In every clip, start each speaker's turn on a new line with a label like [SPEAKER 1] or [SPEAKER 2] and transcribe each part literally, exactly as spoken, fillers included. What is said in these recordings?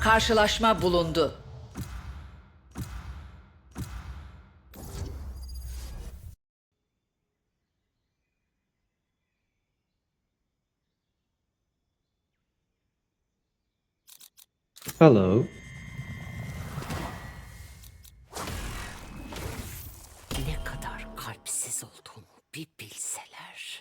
[SPEAKER 1] Karşılaşma bulundu.
[SPEAKER 2] Hello.
[SPEAKER 1] Ne kadar kalpsiz olduğumu bir bilseler.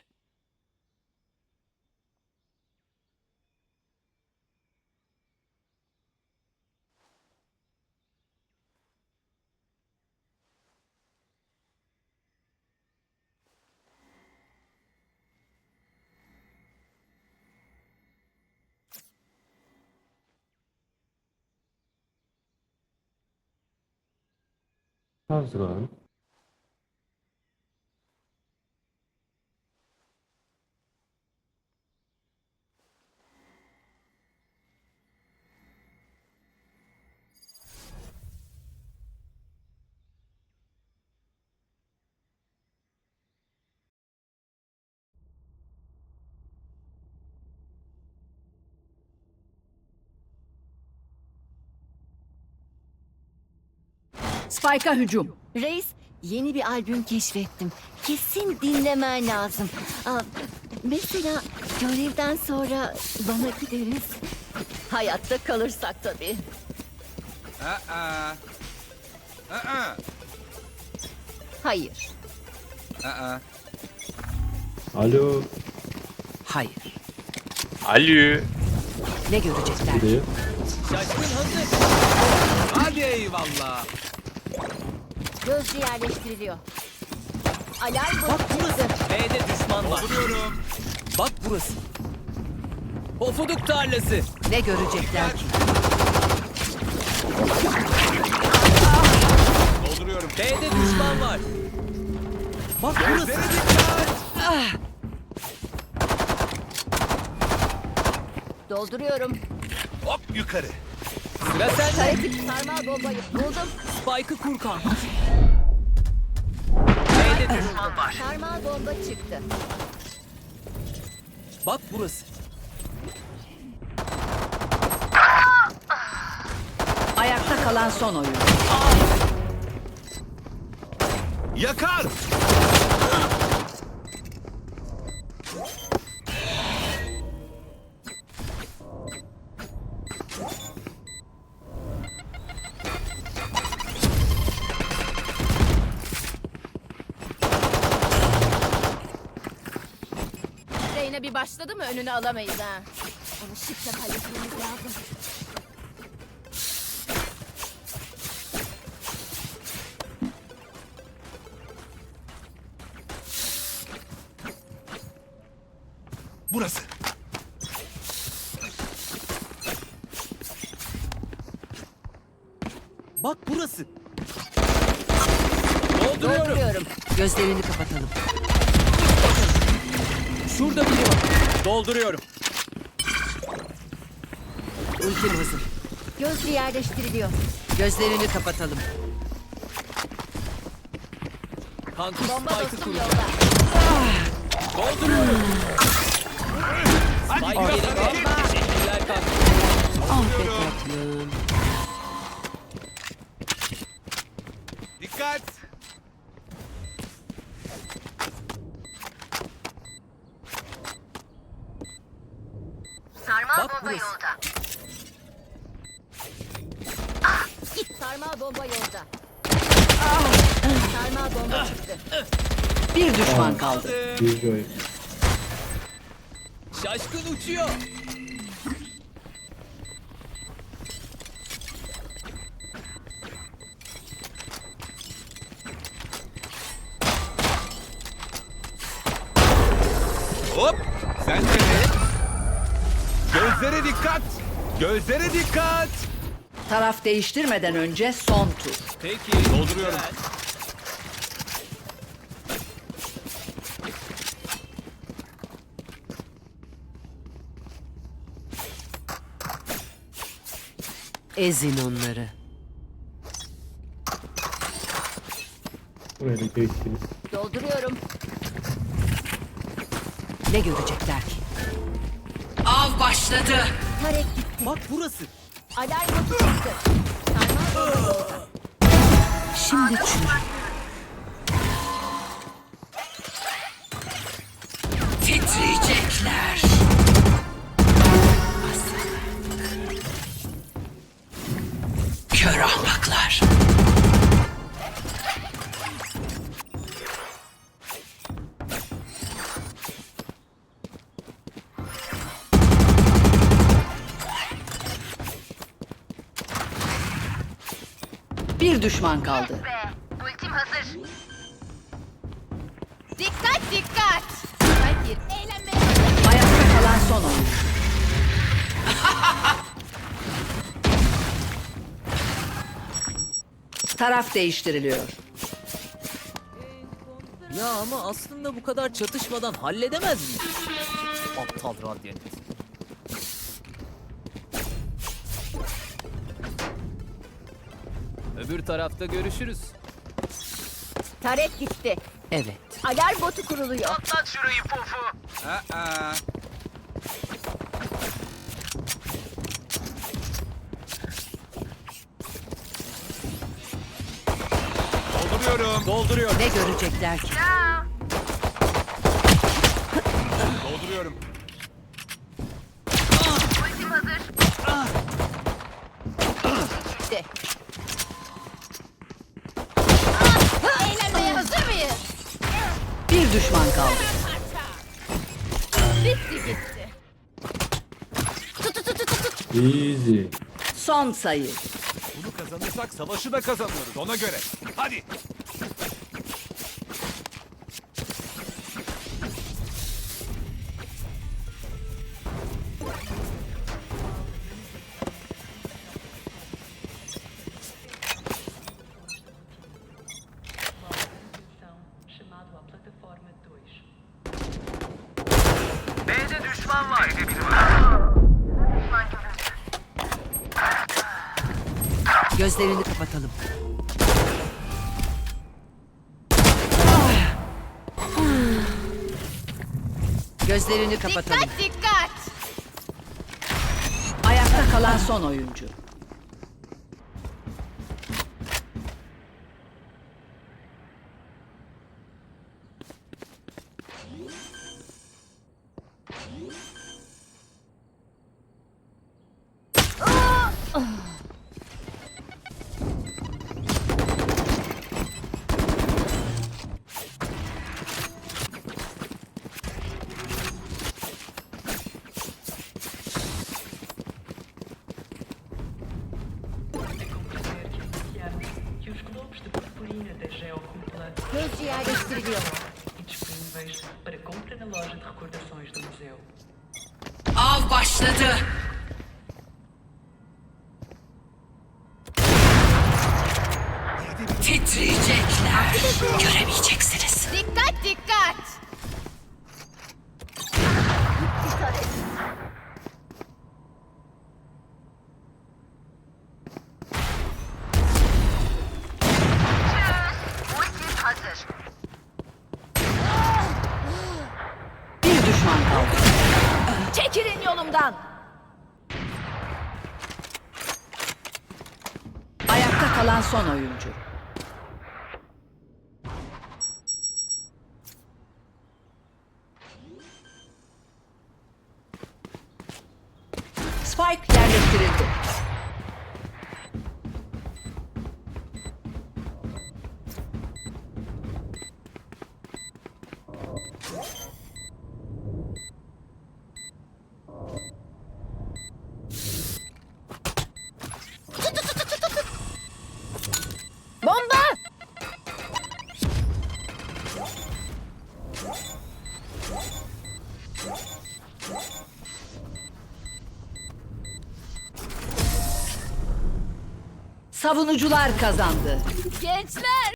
[SPEAKER 2] How's it going?
[SPEAKER 1] Spike'a hücum.
[SPEAKER 3] Reis, yeni bir albüm keşfettim. Kesin dinlemen lazım. Aa, mesela görevden sonra bana gideriz. Hayatta kalırsak tabii.
[SPEAKER 4] Aa. Aa.
[SPEAKER 3] Hayır.
[SPEAKER 4] Aa.
[SPEAKER 2] Alo.
[SPEAKER 1] Hayır.
[SPEAKER 5] Alo.
[SPEAKER 1] Ne görecekler?
[SPEAKER 2] Buraya.
[SPEAKER 4] Şaşkın hazır. Hadi eyvallah.
[SPEAKER 3] Gözcü yerleştiriliyor. Alarm botu çıktı.
[SPEAKER 4] B'de düşman var. Dolduruyorum. Bak burası. Pofuduk tarlası.
[SPEAKER 1] Ne görecekler ki?
[SPEAKER 4] Dolduruyorum. B'de düşman var. Bak burası.
[SPEAKER 3] Dolduruyorum.
[SPEAKER 4] Hop yukarı. Sıra sende.
[SPEAKER 3] Karetik sarmal bombayı buldum.
[SPEAKER 4] Spike'ı kur kanka. B'de düşman var.
[SPEAKER 3] Sarmal bomba çıktı.
[SPEAKER 4] Bak burası.
[SPEAKER 1] Ayakta kalan son oyun.
[SPEAKER 4] Yakar.
[SPEAKER 3] Reyna bir başladı mı önünü alamayız ha. Onu şıkla halletmemiz lazım.
[SPEAKER 4] Burası. Bak burası. Dolduruyorum.
[SPEAKER 3] Dolduruyorum.
[SPEAKER 1] Gözlerini kapatalım.
[SPEAKER 4] Şurada biri var. Dolduruyorum.
[SPEAKER 1] Ultim hazır.
[SPEAKER 3] Gözcü yerleştiriliyor.
[SPEAKER 1] Gözlerini kapatalım.
[SPEAKER 4] Kankuş
[SPEAKER 3] Bomba
[SPEAKER 4] Spike'ı
[SPEAKER 3] dostum
[SPEAKER 4] kur.
[SPEAKER 3] yolda.
[SPEAKER 4] Dolduruyorum. Spike yerinde. Teşekkürler kankuş.
[SPEAKER 1] Ah be tatlım.
[SPEAKER 4] Dikkat.
[SPEAKER 3] Sarmal
[SPEAKER 4] Bak
[SPEAKER 3] bomba
[SPEAKER 4] burası.
[SPEAKER 3] yolda. Git sarmal bomba yolda. Sarmal bomba çıktı.
[SPEAKER 1] Bir düşman kaldı.
[SPEAKER 2] Bir joy.
[SPEAKER 4] Şaşkın uçuyor. Hop! Sen de ne? Gözlere dikkat! Gözlere dikkat!
[SPEAKER 1] Taraf değiştirmeden önce son tur.
[SPEAKER 4] Peki. Dolduruyorum.
[SPEAKER 1] Ezin onları.
[SPEAKER 2] Buraya da geçtiniz.
[SPEAKER 3] Dolduruyorum.
[SPEAKER 1] Ne görecekler ki? Av başladı.
[SPEAKER 3] Tarek gitti.
[SPEAKER 4] Bak burası.
[SPEAKER 3] Alarm botu çıktı. Sarmal bomba yolda.
[SPEAKER 1] Şimdi çür. Titriyecekler. Kör ahmaklar. Bir düşman kaldı.
[SPEAKER 3] Ultim hazır. Dikkat dikkat. Hayır. Eğlenmeye hazır.
[SPEAKER 1] Ayakta kalan son oyuncu. Taraf değiştiriliyor.
[SPEAKER 4] Ya ama aslında bu kadar çatışmadan halledemez mi? Aptal Radyant. Öbür tarafta görüşürüz.
[SPEAKER 3] Taret gitti.
[SPEAKER 1] Evet.
[SPEAKER 3] Alarm botu kuruluyor.
[SPEAKER 6] Dolduruyorum. Dolduruyorum.
[SPEAKER 1] Ne görecekler ki?
[SPEAKER 6] Dolduruyorum.
[SPEAKER 3] Gitti. Eğlenmeye hazır mıyız?
[SPEAKER 1] Bir düşman kaldı.
[SPEAKER 3] Bitti gitti.
[SPEAKER 2] Easy.
[SPEAKER 1] Son sayı.
[SPEAKER 6] Bunu kazanırsak savaşı da kazanıyoruz ona göre. Hadi.
[SPEAKER 7] chamado à plataforma dois.
[SPEAKER 1] Gözlerini kapatalım. Gözlerini kapatalım.
[SPEAKER 3] Dikkat dikkat.
[SPEAKER 1] Ayakta kalan son oyuncu.
[SPEAKER 7] É compreender que anunciamos que os globos de purpurina da Geocúpula
[SPEAKER 3] Gözcü yerleştiriliyor.
[SPEAKER 7] e disponíveis para compra na loja de recordações do museu.
[SPEAKER 1] Av başladı. Titriyecekler. Göremeyeceksiniz.
[SPEAKER 3] Dikkat dikkat. Gitti taret.
[SPEAKER 1] Bir düşman kaldı.
[SPEAKER 3] Çekilin yolumdan.
[SPEAKER 1] Ayakta kalan son oyuncu. Spike yerleştirildi.
[SPEAKER 3] Bomba.
[SPEAKER 1] Savunucular kazandı.
[SPEAKER 3] Gençler.